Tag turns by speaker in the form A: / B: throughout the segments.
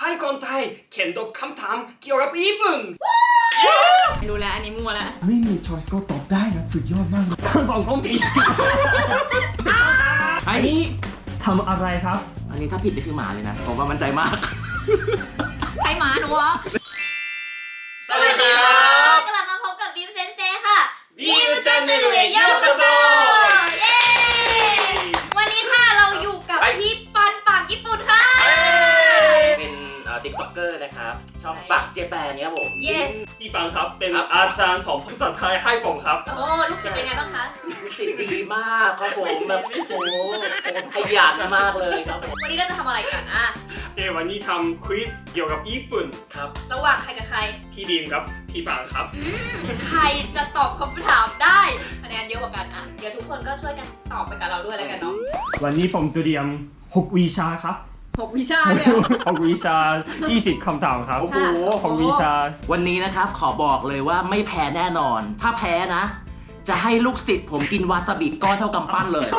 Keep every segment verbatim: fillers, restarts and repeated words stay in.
A: ให้คนไทยเขียนตอบคำถามเกี่ยวกับญี่ปุ่น
B: ดูแลอันนี้มั่วแล้ว
C: ไม่มีช้อยส์ก็ตอบได้นะสุดยอดมากทั้งสองคนผิดอันนี้ทำอะไรครับ
D: อันนี้ถ้าผิดนี่คือหมาเลยนะผมว่ามั่นใจมาก
B: ใครหมาหนูวะ
A: สวัสดีครับ
B: กลับมาพบกับบิวเซนเซค่ะ
A: บิวชาแนลへようこそ
B: เย้วันนี้ค่ะเราอยู่กับพี่ปันปากญี่ปุ่นค่ะ
D: เป็นติ๊กต็อกเกอร์นะครับช่องปากเจแปนเนี่ยครับผม
B: yes
A: พี่ปังครับเป็นอาจารย์สอนภาษาไทยให้ผมครับ
B: โอ้ลูกศิษย์เป็นไงบ้างคะ
D: ลูกศิษย์ดีมากครับผมแบบโอ้โหขยันมากเลยครับ
B: วันนี้เราจะทำอะไรกันอ่ะ
A: โอเควันนี้ทำควิซเกี่ยวกับญี่ปุ่น
D: ครับ
B: ระหว่างใครกับใคร
A: พี่ดีมครับพี่ปังครับ
B: ใครจะตอบคำถามได้คะแนนเยอะกว่ากันอ่ะเดี๋ยวทุกคนก็ช่วยกันตอบไปกับเราด้วยแล้วกันเนาะ
C: วันนี้ผมเตรียมหกวิชาครับ
B: หกวิชาเลย
C: หกวิชายี่สิบคำถามครับ
D: โอ้โห
C: หกวิชา
D: วันนี้นะครับขอบอกเลยว่าไม่แพ้แน่นอนถ้าแพ้นะจะให้ลูกศิษย์ผมกินวาซาบิก้อนเท่ากำปั้นเลย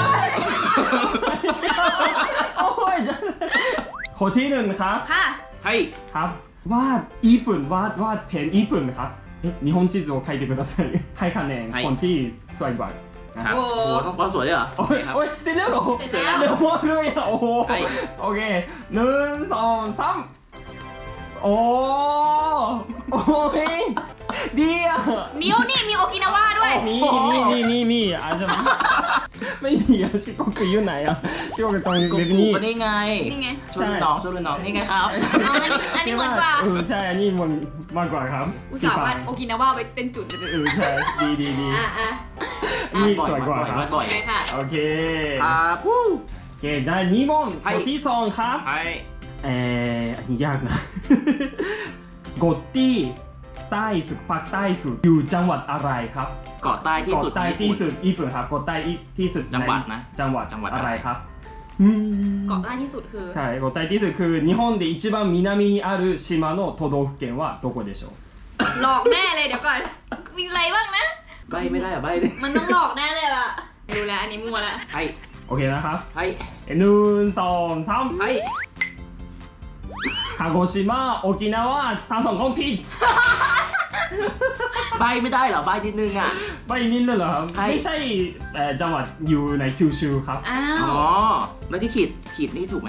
C: ข้อที่หนึ่งครับ
B: ค่ะ
D: ให้
C: ครับวาดญี่ปุ่นวาดวาดเพนญี่ปุ่นครับ日本地図を書いてくださいให้คะแนนคนที่สวยกว่า
D: ครับโอ้โหต้องก้อนสวยด้วยเหรอ
C: โอ้ยโอ้ยเสร็จแล้วเหรอ
B: เสร็จแล้ว
C: เร็วมากเลยอ่ะโอ้โหโอเคหนึ่งสองสามโอ้โอ้ยดีอ่ะ
B: นิ้วนี่มีโอกินาวาด้วย
C: มีมีมีมีมีอาจจะไม่มีอ่ะชิโกกุอยู่ไหนอ่ะชิโกกุตรงเว็บนี้
D: ก็นี่ไง
B: นี่ไง
D: ช่วยน้องช่วยน้องนี่ไงครับ
B: อันนี้เหมือนกว่า
C: เออใช่อันนี้มันมากกว่าครับ
B: อุตส่าห์วาดโอกินาวาไว้เป็นจุด
C: เออใช่ดีดีดี
B: อ่ะอ่ะ
C: นี่สวยกว่าครับ
D: บ่อย
B: ค่ะ
C: โอเค
D: ครับโอ
C: เคได้นี่มอนข้อที่สองครับเอออันนี้ยากนะโกตี้ใต้สุดภาคใต้สุดอยู่จังหวัดอะไรครับ
D: เกาะใต้ที่สุด
C: เกาะใต้ที่สุดญี่ปุ่นครับเกาะใต้ที่สุด
D: จังหวัดนะ
C: จังหวัดจังหวัดอะไรครับ
B: เกาะใต้ที่สุดคือ
C: ใช่เกาะใต้ที่สุดคือ日本で一番南にある島の都道府県はどこでしょう
B: หลอกแน่เลยเดี๋ยวก่อนมีอะไรบ้างนะ
D: ใบไม่ได้อะใบเลย
B: มันต้องหลอกแน่เลยอ่ะดูแลอันนี้มั่วแล้ว
D: ให้
C: โอเคนะครับ
D: ให้
C: หนึ่งสองสาม
D: ให้
C: 鹿児島沖縄ทั้งสองคนผิด
D: ใบไม่ได้เหรอใบนิดนึงอ่ะ
C: ใบนิดนึงเหรอครับไม่ใช่จังหวัดอยู่ในคิวชูครับ
B: อ้าว
D: อ๋อแล้วที่ขีดขีดนี่ถูกไหม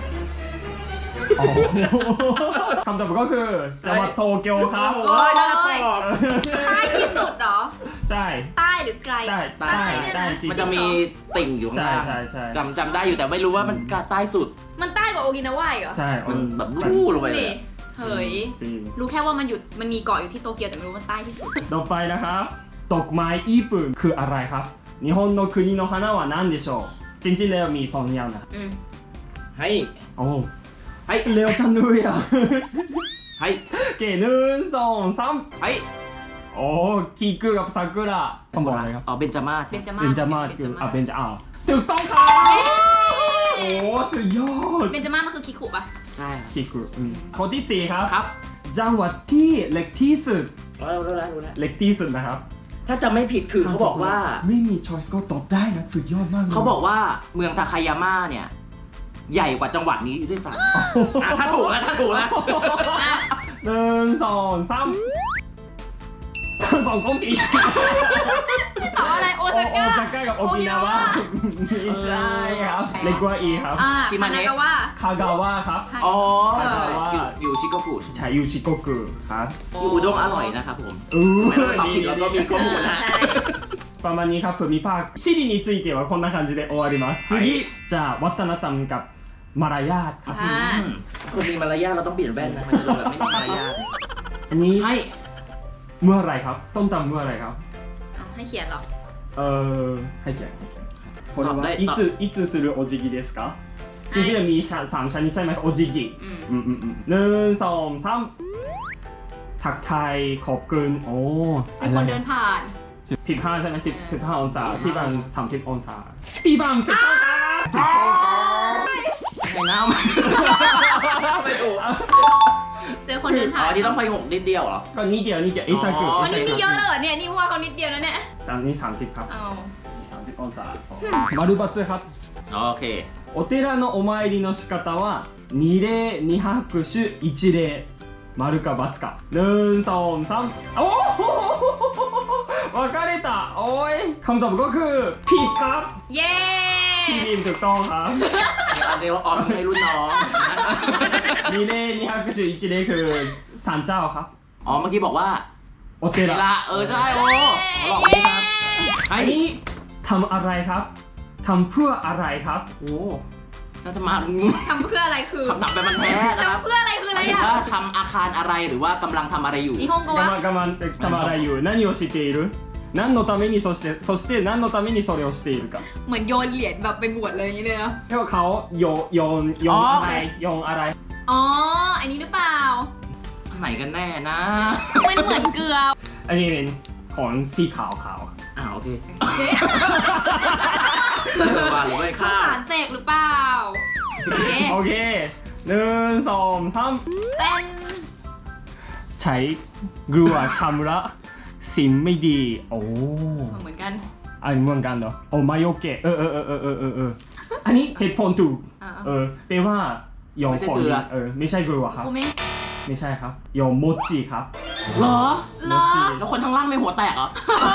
C: คำตอบก็คือจังหวัดโตเกียวครับ
D: โอ้ยน่าจะตอบ
B: ใต้ที่สุดเหรอ
C: ใช่
B: ใต้หรือไกล
C: ใต้ใต้ใต้
D: มันจะมีติ่งอยู่ข้างล่าง
C: ใช่ใช่
D: จำจำได้อยู่แต่ไม่รู้ว่ามันใต้สุด
B: มันใต้กว่าโอกินาวาเหรอ
C: ใช่
D: มันแบบลู่ลงไปเลย
B: เฮ้ยรู้แค่ว่ามันอยู่มันมีเกาะอยู่ที่โตเกียวแต่ไม่รู้ว่าใต้ที่สุด
C: ต่อไปนะครับดอกไม้ญี่ปุ่นคืออะไรครับ日本の国の花は何でしょうจริงๆแล้วมีสองอย่างนะ
D: ให้
C: โอ้ให้เร็วจังเลยอ่ะ
D: ให้
C: เก๋หนึ่งสองสาม
D: ให้
C: โอ้คิกุกับซากุระคำบอกอะไรครับ
D: อ๋อเบญจมาศ
B: เบญจมาศ
C: เบญจมาศคืออ่ะเบญจอ่ะถูกต้องครับโอ้สุดยอด
B: เบญจมาศมันคือคิคุป่ะ
D: ใช่
C: คิกุข้อที่สี่ครับ
D: ครับ
C: จังหวัดที่เล็กที่สุด
D: รู้แล้วรู้แล้ว
C: เล็กที่สุดนะครับ
D: ถ้าจะไม่ผิดคือเขาบอกว่า
C: ไม่มีช้อยส์ก็ตอบได้นะสุดยอดมาก
D: เขาบอกว่าเมืองทาคายาม่าเนี่ยใหญ่กว่าจังหวัดนี้อยู่ด้วยซ้ำถ้าถูกแล้วถ้าถูกแล้ว
C: หนึ่งสองสามสองคนผิด
B: ตอบอะไรโอซาก้า
C: โอซาก้ากับโอกินาวะไม่ใช่ครับเล็กกว่าอีครับ
B: ชิมาเนะ
C: คากาวะครับ
D: อ๋ออยู่ชิโกกุ
C: ใช่อยู่ชิโกกุครับ
D: ที่อุด้งอร่อยนะครับผมไม่ต้องตอบผิดแล้วก็มีข้อมูลนะ
C: ประมาณนี้ครับภูมิภาค地理についてはこんな感じで終わります次じゃあวัฒนธรรมกับมารยาทครับ
D: คนมีมารยาทเราต้องเปลี่ยนแว่นนะมันจะดูแบบไม่มีมารยาท
C: อันนี้ให้เมื่อไรครับต้นตำเมื่อไรครับ
B: ให้เขียนหรอ
C: เออให้เขียนこれはいついつするお辞儀ですかจริงๆมีสามชนิดใช่ไหมโอจิกิหนึ่งสองสามทักทายขอบคุณโอ้
B: เป็นคนเดินผ่าน
C: สิบห้าใช่ไหมสิบสิบห้าองศาพี่บังสามสิบองศาพี่บังถูกต้อง
D: ไข่น้ำไม่ถูก
B: เจอคนเดินผ่าน
D: อ๋อที่ต้องไปหกนิดเดียวเหรอ
C: ก็นิดเดียวนิดเดียวไอชากุ
B: วันนี้นี่เยอะเลยเนี่ยนี่ว่าเขานิดเดียวนะเนี่ย
C: สามนี่สามสิบครับสามสิบองศามาดูบัตรครับ
D: โอเค
C: お寺のお参りの仕方は二礼二拍手一礼丸か×かหนึ่งสองสามโอ้โห分かれたโอ้ยคำตอบก็คือผิดครับ
B: เย้
C: พี่บีมถูกต้องครับ
D: อันเดียวออนให้รุ่นน้อง
C: 二礼二拍手一礼คือศาลเจ้าครับ
D: อ๋อเมื่อกี้บอกว่า
C: โอเท
D: เว
C: ระ
D: ลาเออใช่โอ้เขาบอกนี่ครับ
C: อั
D: ไอ้
C: นนี้ทำอะไรครับทำเพื่ออะไรครับ
D: โอ้น่าจะมา
B: ทำเพื่ออะไรคือ
D: คำถามเป็นมันแท้นะครับ
B: ทำเพื่ออะไรคืออะไร
D: หมายถึง
B: อ่ะ
D: ว่าทำอาคารอะไรหรือว่ากำลังทำอะไรอยู่
B: 日本語
C: 我
B: は
C: 慢我慢ทำอะไรอยู่何をしている何のためにそしてそして何のためにそれをしているか
B: เหมือนโยนเหรียญแบบไปบวชเลยอย่างนี้เลยนะ
C: เพราะเขาโยโยนโยนอะไรโยนอะไร
B: อ๋อ อันนี้หรือเปล่า
D: ไหนกันแน่นะ
B: มันเหมือนเกลือ
C: อันนี้เป็นของสีขาวขาว
D: อ่าโอเค
B: เฮ้ย
D: เออว่าหรือไม่
B: ข้า
D: ข้าว ว
B: สารเสกหรือเปล่า โอเค
C: โอเคหนึ่งสองสาม
B: เป็น
C: ใช้กลัวชำระสิ่งไม่ดีโอ้
B: เหมือนกัน
C: อันเหมือนกันเหรอโอ้มาโยเกะเออเออเออเออเออเออเอออันนี้เหตุผลถูก
B: อ่า
C: เออแปลว่าโยนของดีเออไม่ใช่กลัวครับ
B: กูไม่
C: ไม่ใช่ครับโยนโมจิครับ
D: เหรอ
B: เหรอ
D: แล้วคนทั้างล่างไม่หัวแตกเหรอ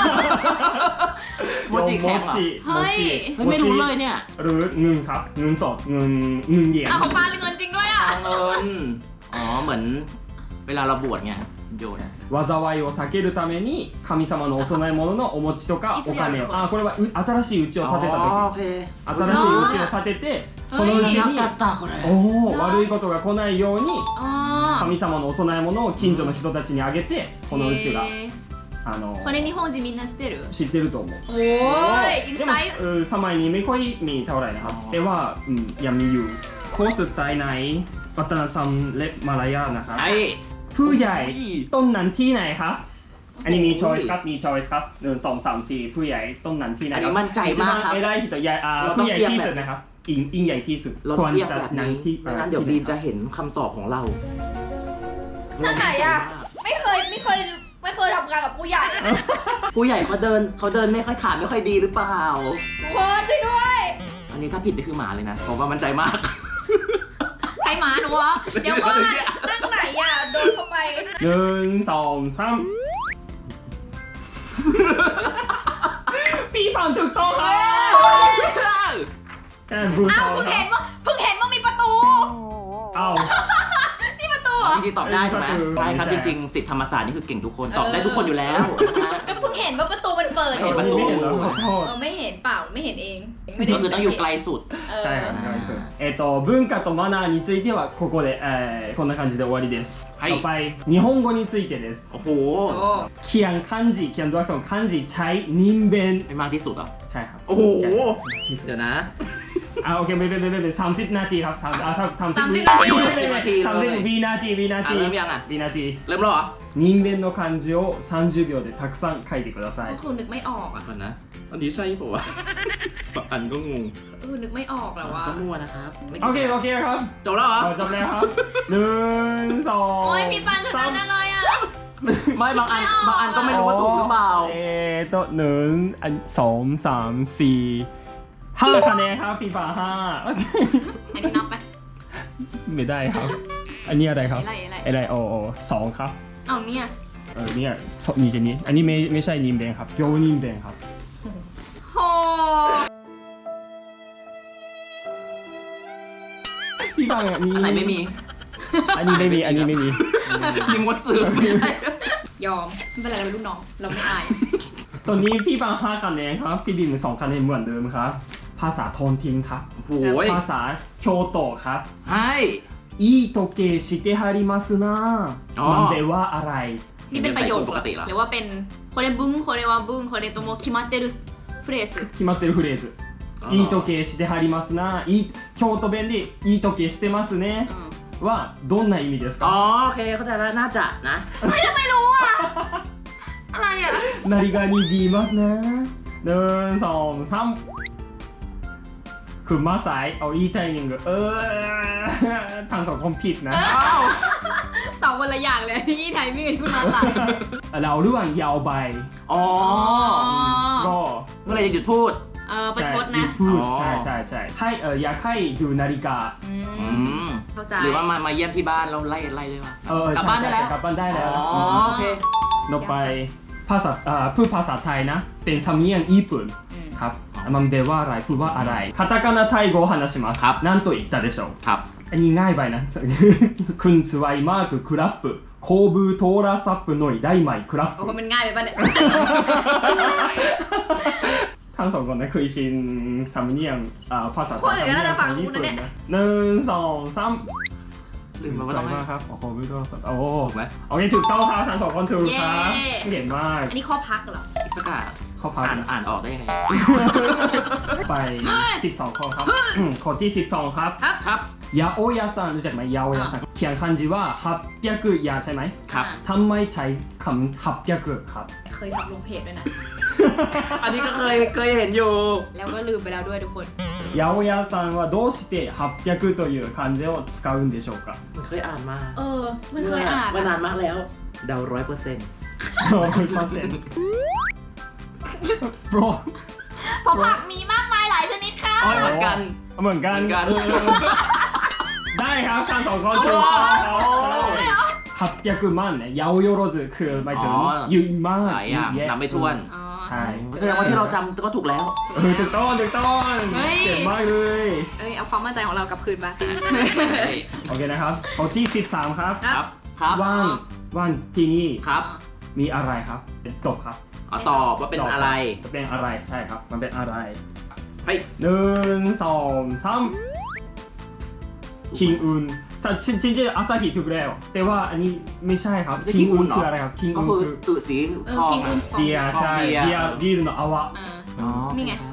D: โมจิแข็งเหรอ
C: โมจิ
D: เฮ้ยไม่รู้เลยเนี่ย
C: หรือเงินครับเงินสดเงินเงินเหรียญ
B: เอาของปลาเลยเงินจริงด้วยอ่ะ
D: เอาเงิน อ๋อ เหมือนเวลาเราบวชไงโยน
C: 災いを避けるために神様のお供え物のお餅とか
B: いつ
C: お金を
B: やるの
C: あこれはう新しい家を建てた
D: อ๋อ
C: 時
D: โอเค
C: 新しい家を建てて
B: あー
C: そのうちに
D: なかったこれ
C: おお悪いことが来ないように
B: อ๋อ
C: 神様のお供え物を近所の人たちにあげてこのうちが
B: へー
C: あの
B: これ日本人みんな知ってる
C: 知ってると思う
B: โอ้ยอิน
C: で
B: ไซ
C: も
B: ต์
C: เออสมัยนี้ไม่ค่อยมีเท่าไหร่นะครับ
D: อ๋อ
C: แต่ว่าอืมยังมีอยู่โค้ชสุดท้ายในวัฒนธรรมและมารยาทนะครับ
D: ใช่
C: ผู้ใหญ่
D: อุ้ย
C: ต้นนั้นที่ไหนครับ อันนี้มีช้อยส์ครับ มีช้อยส์ครับหนึ่งสองสามสี่ผู้ใหญ่ต้นนั้นที่ไหน
D: อัน
C: ครั
D: นี้มั่นใจมากครับ
C: 一番偉い人ใหญ่อ่า
D: เราต้อง
C: ผู้ใหญ่
D: เรียก
C: ที่
D: แบบ
C: สุดนะครับอิงอิงใหญ่ที่สุด
D: เรา
C: ควร
D: เรียก
C: จะ
D: แบบ
C: นั้น
D: นี้
C: ที่
D: ไม่งั้นเดี๋ยวบีมจะเห็นคำตอบของเรา
E: นั่นไหนอะ ไม่เคยไม่เคยไม่เคยทำงานกับผู้ใหญ่
D: ผู้ใหญ่เขาเดินเขาเดินไม่ค่อยขาไม่ค่อยดีหรือเปล่า
E: ทุกคนช่วยด้วย
D: อันนี้ถ้าผิดนี่คือหมาเลยนะผมว่ามั่นใจมาก
B: ใครหมาหนูเหรอ เดี๋ยวก่อน
E: นั่งไหนอะโดนเข้าไป
C: หนึ่งสองสามพี่ฟังถูกต้องครับแต่บรู
B: อ้าว
C: ทอล
B: เพิ่ง
C: ครั
B: เห็
C: บ
B: นว่าเพิ่งเห็นว่ามีประตู
C: อ้าว
B: นี่ประตูเหรอ
D: จริงๆตอบได้ถูกไหม
C: ก็คือ
D: ใช่ครับ
C: ไม่
D: จ
C: ใช่
D: ริงๆสิทธิธรรมศาสตร์นี่คือเก่งทุกคนตอบ
B: เออ
D: ได้ทุกคนอยู่แล้วนะฮะ
E: ก็เพิ่งเห็นว่าประตูมันเปิด
D: ไม่เห็น
C: อันนี้ไม่เห็นแล้วขอโทษ
E: เออไม่เห็นเปล่าไม่เห็นเองไม่ได้
D: ก็คือต้องอยู่ไกลสุด
E: เออ
C: ใช่ครับえっと文化とマナーについてはここで、えー、こんな感じで終わりです。
D: はい
C: ต่อไป日本語についてです。
D: โอ้โห
B: โอ้
C: เขียน漢字เขียนตัวอักษร漢字ใช้นิมเบน
D: ไม่มากที่สุดเหรอ
C: ใช่ครับ
D: โอ้โห
C: ที่สุด
D: เดี๋ยวนะ
C: อ่าโอเคไม่ไม่ไม่ไม่สามสิบนาทีครับสามอ่าสามสิบ
B: สามสิบนาที
C: สามสิบวินาทีวินา
D: อ่ะ
C: ที
D: เริ่มยังอ่ะ
C: วินาที
D: เริ่มแล้วเหรอ
C: 人間の漢字をさんじゅうびょうでたくさん書いてください
B: ก็คือนึกไม่ออกอ่ะ
D: ก่อนนะ อันนี้ใช่ป่าวะบางอันก็งง
B: เออนึกไม่ออกแล้วว่า
D: ก็มั่วนะครับไม่
C: โอเคโอเคครับ
D: จบแล้วเหรอ
C: เอาจบแล้วครับหนึ่งสอง
B: โอ้ยมีปันชนะอะไรอ่ะ
D: ไม่บางอันบางอันก็ไม่รู้ว่าถูกหรือเปล่า
C: เอโตะหนึ่งอันสองสามสี่ห้าคะแนนครับฟีฟ่าห้า
B: อันนี้นับไป
C: ไม่ได้ครับ อันนี้อะไรครับ
B: อะไรอะไร
C: อะไรโอโอสองครับ
B: เอาเนี่ย
C: เออเนี่ยนี่จะนี้อันนี้ไม่ไม่ใช่นิมเบนครับโยนิมเบนครับ
B: โห
C: พี่ฟังอันนี้
D: อันไหนไม่มี
C: อันนี้ไม่มีอันนี้ไม่มี
D: ยิงวัดสื่อไม่ใช่
B: ยอมไม่เป็นไรเราเป็นลูกน้องเราไม่อาย
C: ตอนนี้พี่ฟังห้าคะแนนครับพี่บิมสองคะแนนเหมือนเดิมครับ ภาษาโทนทิ้งครับ
D: โอ้ย
C: ภาษาโคโตะครับ
D: ให้
C: いい時計してはりますな
D: อ๋อ
C: มันแปลว่าอะไร
B: นี่เป็นประโยค
D: ปกติเหรอ
B: หรือว่าเป็นこれ文これは文これとも決まってるフレーズ
C: 決まってるフレーズ
D: あー
C: いい時計してはりますないい京都弁でいい時計してますね
B: อืม
C: はどんな意味です
D: อ๋อ
C: か
D: โอเคเข้าใจแล้วน่าจะนะ
B: ไม่ทำไมรู้อ่ะ อะไรอ่ะ
C: 何がにดีมากนะหนึ่งสองสามคือมาสายเอาอีไทมิงเออทางสองคนผิดนะ
D: อ้าว
B: ตอบคนละอย่างเลยที่ไทยไม่มีคุณมาสาย
C: เราเรื่องยาวใบ
D: อ๋อ
C: ก็
D: เมื่อไหรจะหยุดพูด
B: เอออประชดนะ
C: พูด
D: อ๋อ
C: ใช่ใช่ใช่ให้เอออยากให้ดูนาฬิกา
B: อื
D: อื
B: ม
D: ม
B: เข้าใจ
D: หรือว่ามามาเยี่ยมที่บ้านเราไล่ไล่เลยว่ะ
C: เออก
D: ลับบ้านได้แล้ว
C: กลับบ้านได้แล้ว
D: อ๋อโอเค
C: ต่อไปภาษาเอ่อพูดภาษาไทยนะเป็นสำเนียงญี่ปุ่น
B: อืม
C: ครับมันแปลว่าอะไรพูดว่าอะไรคาตาคานาไทย語を話します
D: ครับ
C: なんと言ったでしょう
D: ครับ
C: อันนี้ง่ายไปนะ คุณสวยมากครับโคบูโทรศัพท์หน่อยได้ไหมครับ
B: โอ้โหมันง่ายไปป่ะเนี่ย
C: ทั้งสองคนนะเคยชินสำเนียงอ่าภาษาไทย
B: คนอื่นก็น่าจะฟังคุณนะเนี่ย
C: หนึ่งสองสาม
D: ลืมไปว่าต้องให้
C: สวยมากครับโอ้โหไม่ต้องโอ้
D: ถูกไหม
C: โอเคถูกต้องครับทั้งสองคนถูกครับเก่งมาก
B: อันนี้ข้อพักเหรอ
D: อิสกา
C: ข้อพัก
D: อ่าน
C: นะ
D: อ่านออกได้ยังไง
C: ไปสิบสองข้อครับอืมข้อที่สิบสองครับ
B: ครับ
D: ครับ
C: ยาโอยาซังรู้จักไหมยาโอยาซังเขียนคันจิว่าฮับเปียกุยาใช่ไหม
D: ครับ
C: ทำไมใช้คำฮับเปียกุครับ
B: เคยทำลงเพจด้วยนะ
D: อันนี้ก็เคยเคยเห็นอยู่
B: แล้วก็ลืมไปแล้วด้วยทุกคน
C: 八百屋さんはどうしてはっぴゃくという漢字を使うんでしょうか
D: มันเคยอ่านมา
B: เออ มันเคยอ่าน
D: เมื่อนาน
B: อะ
D: มากแล้ว เดาร้อยเปอร์เซ็นต์
C: ร้อยเปอร์เซ็นต์ โปร
B: เพราะผักมีมากมายหลายชนิดค่ะ
D: อ๋อเหมือนกัน
C: เหมือนกัน
D: เหมือนกัน
C: เออได้ครับทั้งสองคนถูกต้องครับはっぴゃく万ね八百万คือหมายถึง
D: อ๋อ
C: เยอะมาก
D: หลายอย่าง
C: เยอะแยะ
D: นับไม่ถ้วน
B: อ๋อ
C: ใช่
D: แสดงว่าที่เราจำก็ถูกแล้ว
C: เออถูกต้องถูกต้อง
B: เฮ้ย
C: เก่งมากเลย
B: เอ้ย เอาความมั่นใจของเรากลับคืนมา
C: โอเคนะครับข้อที่สิบสามครับ
B: ครับ
D: ครับ
C: ว่างว่างที่นี่
D: ครับ
C: มีอะไรครับเป็นตกครับ
D: เอาตอบว่าเป็นอะไร
C: จะเป็นอะไรใช่ครับมันเป็นอะไร
D: เฮ้ย
C: หนึ่งสองสามคิงอุนさจริงจริงๆอาซาฮิถูกแล้วแต่ว่าอันนี้ไม่ใช่ครับ
D: ไม่ใช่
C: คิงอุน
D: King Un เหรอ
C: คืออะไรครับคิง
D: ก็
C: อุน
D: คือ
C: คือ
D: ตุสี
B: เออ
D: ทอง
B: คิงอุน
C: เบียร์ใช่
D: เบี
C: เบี
D: ย
C: ย
D: ร์
C: ร์บีร์の泡
B: อ่า
D: อ๋อ
B: นี่ไง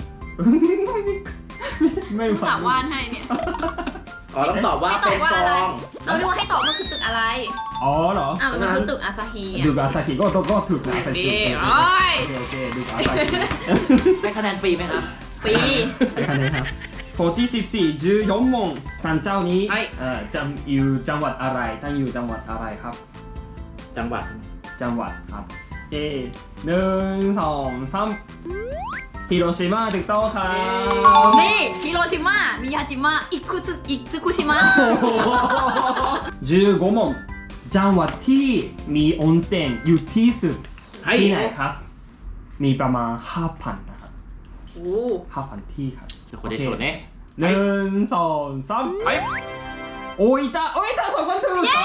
C: ไม่
B: ผู้
C: ฟั
B: สาง ววาดให้เนี่ย
D: อ๋อต้องตอบว่า
B: ให้ตอ
D: เป็
B: บ
D: น
B: ว่า
D: ฟ
B: อะไร
D: อง
B: เราดูว่าให้ตอบมันคือตึกอะไร
C: อ๋อเหรอ
B: อ่ามันคือตึกอาซาฮีอ่ะ
C: ดูกอาซาฮิก็ก็ก็ถูกนะ
B: ดี
C: โอ
B: โอ้ย
C: เคโอเคดูกอาซาฮิ
D: ได้คะแนนฟรีไหมครับ
B: ฟรี
C: ให้คะแนนครับข้อที่สิบสี่สิบสี่โมงสันเจ้านี้
D: ให้
C: เอ่อจำอยู่จังหวัดอะไรตั้งอยู่จังหวัดอะไรครับ
D: จังหวัด
C: จังหวัดครับเอหนึ่งสองสามฮิโรชิมาถูกต้องครับ
B: นี่ฮิโรชิมามิยาจิมะอิคุซึอิซึคุชิมะ
C: สิบห้าโมงจังหวัดที่มีออนเซ็นอยู่ที่สุด
D: ให้
C: ที่ไหนครับ มีประมาณ ห้าพัน นะครับ
B: โอ้
C: ห้าพัน ที่ครับ
D: คนได้ส่วนเนี่ย
C: หนึ่งสองสาม
D: ไป
C: โอ้ยตาโอ้ยตาสองคนถูกเย้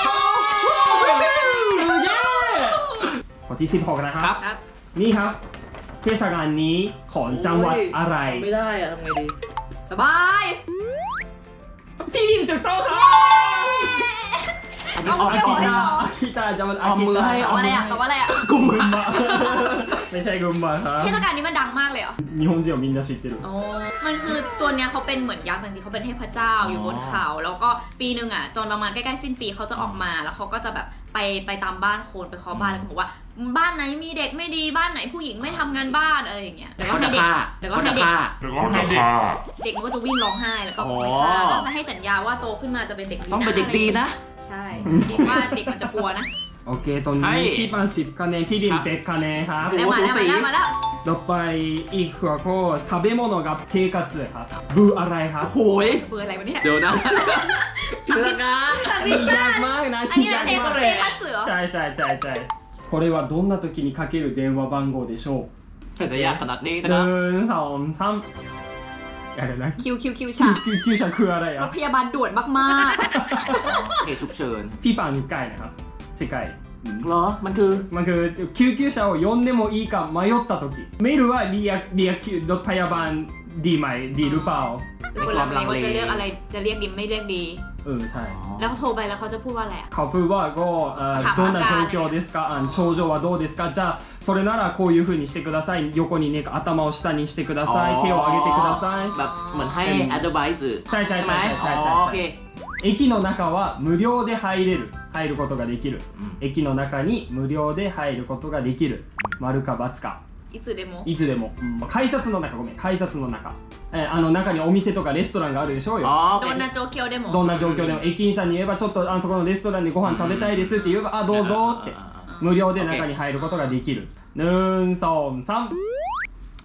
C: เย้ข้อที่สิบหกนะครับ
B: ครับ
C: นี่ครับเทศกาลนี้ของจังหวัดอะไร
D: ไม่ได้อะทำไงดี
B: สบาย
C: ที่นี่ถูกต้องครับ
D: อันนี้ออม
C: อา
D: ออ
C: กิ
D: ม
C: ตาอากิตาจังหวัด
D: เอามือให้
B: ตอบอะไรอ่ะตอบอะไรอ่ะ
C: กุมบะไม่ใช่กุมบะครับ
B: เทศกาลนี้มันดังมากเลยเหรอ
C: 日本人はみんな知ってる
B: อ๋อมันคือตัวเนี้ยเขาเป็นเหมือนยักษ์จริงๆเขาเป็นเทพเจ้าอยู่บนเขา แล้วก็ปีหนึ่งอ่ะจนประมาณใกล้ๆสิ้นปีเขาจะออกมา แล้วเขาก็จะแบบไปไปตามบ้านคนไปเคาะบ้านแล้วก็บอกว่าบ้านไหนมีเด็กไม่ดีบ้านไหนผู้หญิงไม่ทำงานบ้านอะไรอย่างเงี้ยแล้วก็
D: เขา
B: ให้
D: จะ
B: เด็ก
D: ฆ่า
B: แล้วก็
D: เขา
B: ให้
D: จะ
B: เด็ก
D: ฆ่า
B: เด็กมันก็จะวิ่งร้องไห้แล้วก็
D: อ๋อ
B: ไม่ฆ่าต้องให้สัญญาว่าโตขึ้นมาจะเป็นเด็กดีนะ
D: ต้องเป็นเด็กดีนะ
B: ใช่คิดว่าเด็กมันจะกลัวนะ
C: โอเคตอนนี้
D: ให้
C: พี่ปันสิบคะแนนพี่ดินเจ็ดคะแนนครับ
B: แล้วมาแล้วมาแล้วมาแล้ว
C: ต่อไปอีกหัวข้อ食べ物กับ生活ครับบูอะไรครับ
D: โอ้ย
B: เบอร์อะไรวะเนี่ย
D: เดี๋ยวนะ
B: ทำผิดนะทำผิด
C: ยากมากนะ
B: อันนี้เราเทส
C: มาก
B: เทคัตสึเหรอ
C: ใช่ใช่ใช่ใช่これはどんな時にかける電話番号でしょう
D: จะยากขนาดนี้
C: ห
D: นะครับ
C: นึ่งสองสามอะไรนะ
B: คิวคิวคิว
C: คิ
B: ฉาว ก
C: คิวคิวฉันคืออะไร
B: ร
C: อ่ะ
B: ถพยาบาลด่วนมาก
D: เหตุฉุกเฉิน
C: พี่ปันไก่นะครับใช่ไก่อืม
D: เหรอ มันคือ
C: มันคือ救急車を呼んでもいいか迷った時メールはリアリアรถพยาบาลดีไหมดีหรือเปล่า
B: ๆคือคนลังเลว่าจะเรียกอะไรจะเรียกดีไม่เรียกดี
C: เออใช่
B: แล้วเขาโทรไปแล้วเขาจะพูดว่าอะไรอะ
C: เขาพูดว่าก็เอ่อ
B: ถาม
C: どんな
B: อาการ
C: 状況ですかあの症状はどうですかじゃあそれならこういう風にしてください横にね頭を下にしてください手を上げてください
D: แบบเหมือนให้ advice
C: ใช่ใช่ใช่
D: ไหม
C: ใช่
D: อ๋
C: ใช่
D: อ
C: ใช่
D: โอเค
C: 駅の中は無料で入れる入ることができる
D: うん
C: 駅の中に無料で入ることができる丸か×か
B: อิつでも
C: いつでも、改札の中ごめん改札の中、えーあの中にお店とかレストランがあるでしょうよ、
D: อ๋อโอ
B: โด
D: เคน
B: นาโจเคียวเดโม
C: どんな状況でも駅員さんに言えばちょっとあそこのレストランでご飯食べたいですって言えばあどうぞって無料で中に入ることができるหนึ่งสองสาม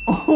C: โอ้โห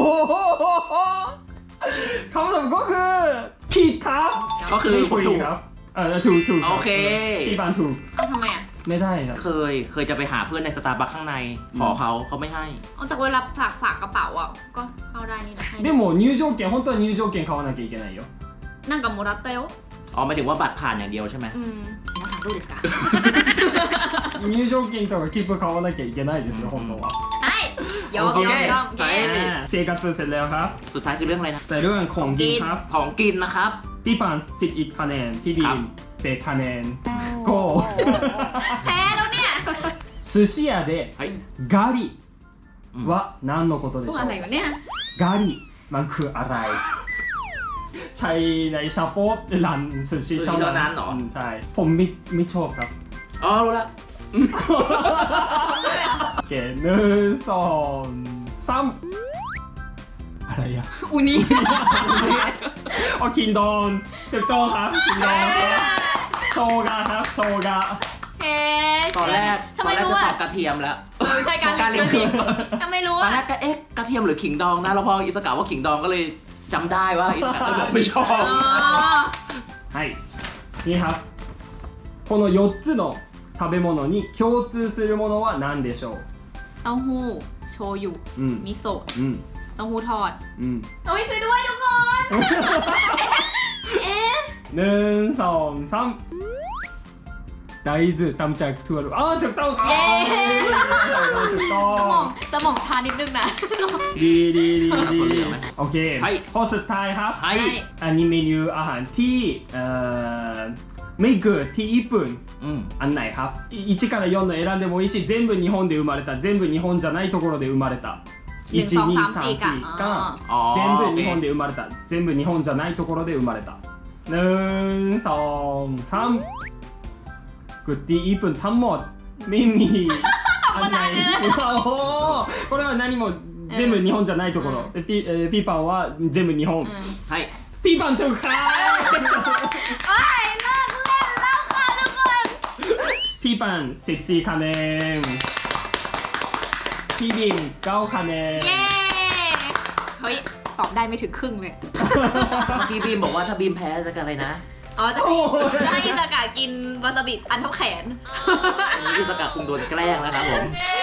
C: คำตอบก็คือผิดครับ
D: ก็คือ
C: ไม่
D: ผมถูก
C: ครับเออถูกถูกรับ
D: โอเค
C: พี่ปานถูก
B: เอาทำไมอ่ะ
C: ไม่ได้ครับ
D: เคยเคยจะไปหาเพื่อนในสตาร์บัคข้างใน ขอเขาเขาไม่ให้
B: เอาแต่เวลาฝากฝากกระเป๋าอ่ะก็เข้าได้นี่นะให้
C: でも入場券本当は入場券買わなきゃいけないよ
B: นั่งกับโมรัตเตล
D: อ๋อหมายถึงว่าบัตรผ่านอย่างเดียวใช่ไหม
B: อืม皆さんどうですか
C: 入場券とか切符買わなきゃいけないですよ本当は
B: ให้ยอม
D: โอย
B: อ
D: เค
B: มยอม
D: ไป
B: เย้
C: อ่า生活เสร็จแล้วครับ
D: สุดท้ายคือเรื่องอะไรนะ
C: แต่เรื่องของกินครับ
D: ของกินนะครับ
C: พี่ปานสิบอีกคะแนนพี่บี
D: ครั
C: ม
D: บ
C: แปดคะแนนก็
B: แพ้แล้วเนี่ย
C: 寿司屋で
D: เฮ้ย
C: ガリ
D: อืม
C: は何のことで
B: พว
C: し
B: ก
C: ょ
B: อะไร
C: う
B: วะเนี่ย
C: ガリมันคืออะไร ใช่ในชาโป๊ะร้าน寿司
D: 寿司เท่านั้นเหรอ
C: มใช่ ผมไม่ไม่ชอบครับ
D: อ๋อรู้แล้ว
C: โอเคหนึ่งสองสามอะไรอะ
B: อูนี่
C: อ๋อคินดอนถูกต้องครับคินดอนโชกะครับโชกะ
B: เฮ้
D: ตอนแรก
B: ทำ
D: ต
B: ไม
D: อนแรก
B: รู้
D: จะต
B: อ่ะ
D: อบกระเทียมแล้ว
B: เออใช่การ
D: การเรียน
B: ผิดทำไมรู้
D: ตอน
B: อ่ะ
D: แรกก็เอ๊ะกระเทียมหรือขิงดองนะแล้วพออิสกาว่าขิงดองก็เลยจำได้ว่าอิสกาก็บอกไม่ชอบ
B: อ๋อ
C: はいนี่ครับこのよっつの食べ物に共通するものは何でしょう
B: เต้าหู้โชยุ
C: うん
B: มิโซะ
C: うん
B: เต้าหู้ทอด
C: うん
B: โอ้ยช่วยด้วยทุกคน เอ๊ะ
C: หนึ่งสองสาม大豆ตำจากถั่วอ๋อถูกต้องครับ
B: เย้
C: ถูกต้อ
B: สมอง งสมองชานิดนึงนะ
C: ดีดีดี
D: คน
C: ดี
D: เหลือไหม
C: โอเค
D: はい
C: ข้อสุดท้ายครับ
D: ให้
C: อันนี้เมนูอาหารที่เอ่อไม่เกิดที่ญี่ปุ่น
D: อืม
C: อันไหนครับいちからよんの選んでもいいし全部日本で生まれた全部日本じゃないところで生まれた
B: หนึ่ง
C: いち
B: สอง
C: に
B: สาม
C: さん
B: สี่กะ
C: สี่
B: อ๋อ
C: が
D: อ๋อ
C: 全部
D: โอเค
C: 日本で生まれた全部日本じゃないところで生まれたหนึ่งสองสามกดที่ญี่ปุ่นทั้งหมดไม่มีอันไหนโอ้โหこれは何も全部日本じゃないところでピえーピーパンは全部日本
B: อืม
D: ให้
C: ピーパンถูกครับ
B: โอ้ยเลิกเล่นแล้วค่ะทุกคน
C: พี่ปันสิบสี่คะแนนพี่บิมเก้าคะแนน
B: เย้ เฮ้ย ตอบได้ไม่ถึงครึ่งเลย
D: เมื่อกี้บีมบอกว่าถ้าบีมแพ้จะกันอะไรนะ
B: อ๋อ จะให้จะให้อิซากะกินวาซาบิอันเท่าแขน
D: อันนี้อิสกาคงโดนแกล้งแล้วนะครับผม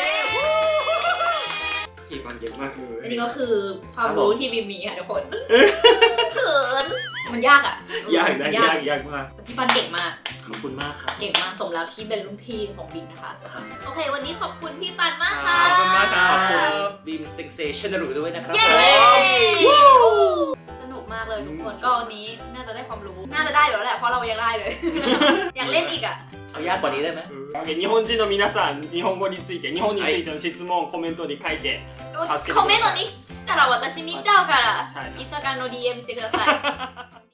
A: อีกคนเก่งมากเลย
B: อันนี้ก็คือความรู้ที่บิมมีค่ะทุกคนเขิน มันยากอ่ะ
A: ยาก
B: มั
A: นะ
B: น
A: ยากยากมาก
B: แต่พี่ปันเก่งมาก
A: ขอบคุณมากครับ
B: เก่งมาก สมแล้วที่เป็นรุ่นพี่ของบิมนะคะ
A: ครับ
B: โอเค วันนี้ขอบคุณพี่ปันมาก
A: ข
B: ค่ะ
A: อบคุณมากครับ
D: ขอบคุณบีมเซ็งเซชันนารุด้วยนะครับ
B: เย้ สนุกมากเลยทุกคน ก็วันนี้น่าจะได้ความรู้ น่าจะได้อยู่แล้วแหละ เพราะเรายังได้เลย อยากเล่นอีกอ่ะ
D: เอายากกว่านี้ได้ไหม
C: 日本人の皆さん日本語について日本についての質問をコメントに書いて助けてください
B: コメントにしたら私見ちゃうから
C: ใช่ครับ
B: インスタグラムの ディーエム してください